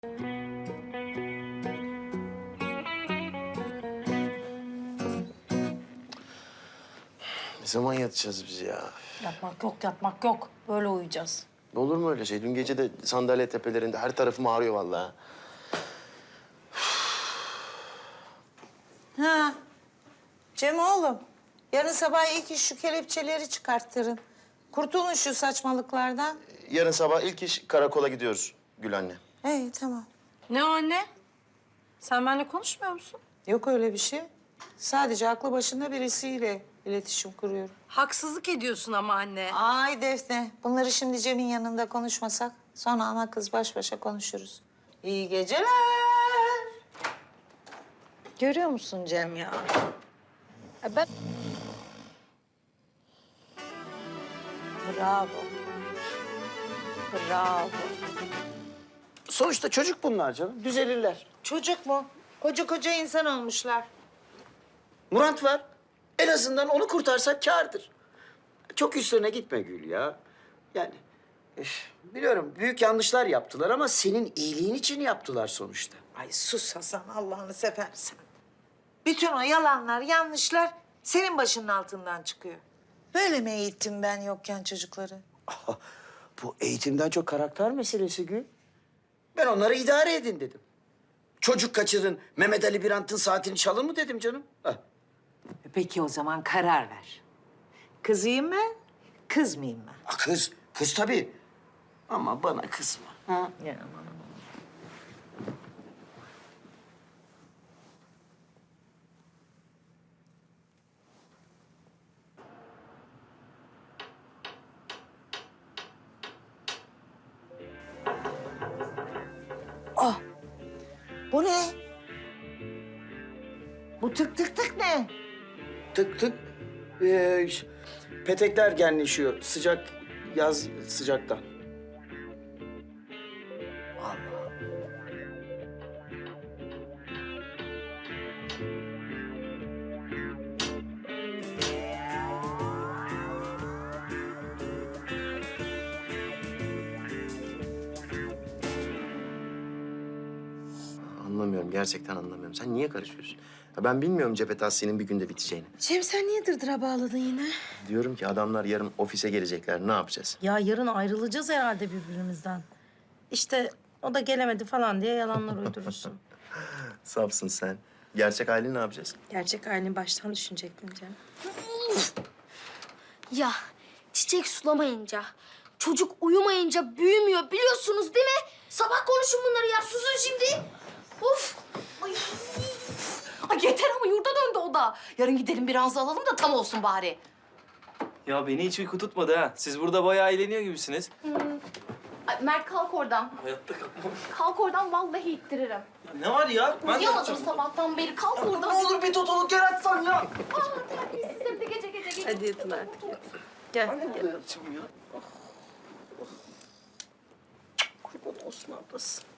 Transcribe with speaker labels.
Speaker 1: Ne zaman yatacağız biz ya?
Speaker 2: Yatmak yok, yatmak yok. Böyle uyuyacağız.
Speaker 1: Olur mu öyle şey? Dün gece de sandalye tepelerinde her tarafım ağrıyor vallahi.
Speaker 3: Ha. Cem oğlum, yarın sabah ilk iş şu kelepçeleri çıkarttırın. Kurtulun şu saçmalıklardan.
Speaker 1: Yarın sabah ilk iş karakola gidiyoruz Gül anne.
Speaker 3: İyi, tamam.
Speaker 2: Ne o anne? Sen benimle konuşmuyor musun?
Speaker 3: Yok öyle bir şey. Sadece aklı başında birisiyle iletişim kuruyorum.
Speaker 2: Haksızlık ediyorsun ama anne.
Speaker 3: Ay Defne, bunları şimdi Cem'in yanında konuşmasak... sonra ana kız baş başa konuşuruz. İyi geceler.
Speaker 2: Görüyor musun Cem ya? Ben...
Speaker 3: Bravo. Bravo.
Speaker 4: Sonuçta çocuk bunlar canım. Düzelirler.
Speaker 3: Çocuk mu? Koca insan olmuşlar.
Speaker 4: Murat var. En azından onu kurtarsak kârdır. Çok üstlerine gitme Gül ya. Yani biliyorum büyük yanlışlar yaptılar ama senin iyiliğin için yaptılar sonuçta.
Speaker 3: Ay sus Hasan, Allah'ını seversen. Bütün o yalanlar, yanlışlar senin başının altından çıkıyor. Böyle mi eğittim ben yokken çocukları?
Speaker 4: Bu eğitimden çok karakter meselesi Gül. Ben onları idare edin dedim. Çocuk kaçırın, Mehmet Ali Birant'ın saatini çalın mı dedim canım. Hah.
Speaker 3: Peki o zaman karar ver. Kızıyım ben, kız mıyım ben?
Speaker 4: Kız tabii. Ama bana kızma. Ha?
Speaker 3: Ya. Ah, bu ne? Bu tık tık tık ne?
Speaker 4: Tık tık. Petekler genleşiyor. Sıcak, yaz sıcaktan.
Speaker 1: Anlamıyorum, gerçekten anlamıyorum. Sen niye karışıyorsun? Ya ben bilmiyorum cephe tahsilinin bir günde biteceğini.
Speaker 2: Cem sen niye dırdıra bağladın yine?
Speaker 1: Diyorum ki adamlar yarın ofise gelecekler, ne yapacağız?
Speaker 2: Ya yarın ayrılacağız herhalde birbirimizden. İşte o da gelemedi falan diye yalanlar uydurursun.
Speaker 1: Safsın sen. Gerçek halini ne yapacağız?
Speaker 2: Gerçek halini baştan düşünecektin Cem.
Speaker 5: Ya çiçek sulamayınca, çocuk uyumayınca büyümüyor biliyorsunuz değil mi? Sabah konuşun bunları ya, susun şimdi. Of! Ay. Ay yeter ama yurda döndü o da. Yarın gidelim bir ranza alalım da tam olsun bari.
Speaker 6: Ya beni hiç uyku tutmadı ha. Siz burada bayağı eğleniyor gibisiniz.
Speaker 5: Ay, Mert kalk oradan.
Speaker 6: Hayatta kalkmam.
Speaker 5: Kalk oradan vallahi ittiririm.
Speaker 6: Ya ne var ya? Ben de
Speaker 5: Uyuyamadım
Speaker 6: yapacağım.
Speaker 5: sabahtan beri. Kalk oradan.
Speaker 4: Ne olur bir totaluk yaratsan ya.
Speaker 5: Aa, terbiyesiz hem de gece.
Speaker 2: Hadi yatın artık. Gel.
Speaker 4: Yapacağım ya.
Speaker 2: Kurban olsun ablası.